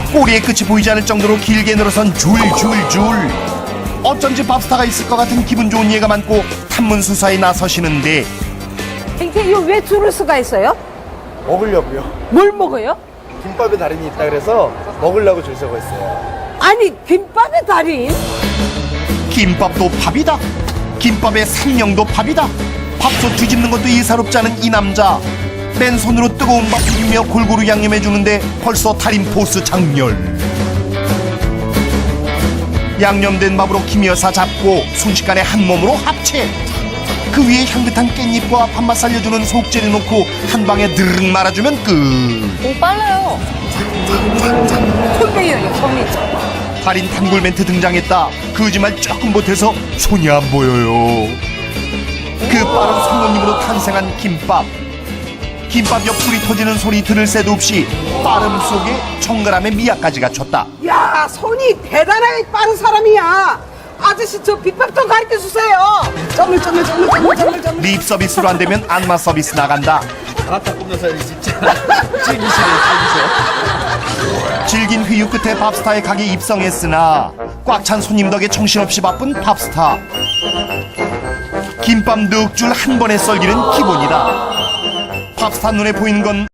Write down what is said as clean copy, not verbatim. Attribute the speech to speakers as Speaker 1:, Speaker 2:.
Speaker 1: 꼬리의 끝이 보이지 않을 정도로 길게 늘어선 줄줄줄. 어쩐지 밥스타가 있을 것 같은 기분 좋은 예가 많고 탐문 수사에 나서시는데
Speaker 2: 이게 왜 줄을 수가 있어요?
Speaker 3: 먹으려고요.
Speaker 2: 뭘 먹어요?
Speaker 3: 김밥에 달인이 있다 그래서 먹으려고 줄 서고 있어요.
Speaker 2: 아니 김밥의 달인?
Speaker 1: 김밥도 밥이다. 김밥의 생명도 밥이다. 밥솥 뒤집는 것도 예사롭지 않은 이 남자. 맨손으로 뜨거운 밥 비비며 골고루 양념해 주는데 벌써 달인 포스 장렬. 양념된 밥으로 김여사 잡고 순식간에 한 몸으로 합체. 그 위에 향긋한 깻잎과 밥맛 살려주는 속재를 넣고 한 방에 드르륵 말아주면 끝.
Speaker 4: 오, 빨라요.
Speaker 2: 손배예요 손이.
Speaker 1: 달인 단골 멘트 등장했다. 거짓말 조금 못해서 손이 안 보여요. 그 빠른 손놀림으로 탄생한 김밥. 김밥 옆구리 터지는 소리 들을 새도 없이 빠름 속에 정갈함의 미학까지 갖췄다.
Speaker 2: 야 손이 대단하게 빠른 사람이야. 아저씨 저 비법 좀 가르쳐 주세요. 점을.
Speaker 1: 립 서비스로 안 되면 안마 서비스 나간다.
Speaker 3: 아따 꾸며서 진짜 찐이시네.
Speaker 1: 질긴 회유 끝에 밥스타의 가게 입성했으나 꽉 찬 손님 덕에 정신없이 바쁜 밥스타. 김밥 넉 줄 한 번에 썰기는 기본이다. 밥스타 눈에 보이는 건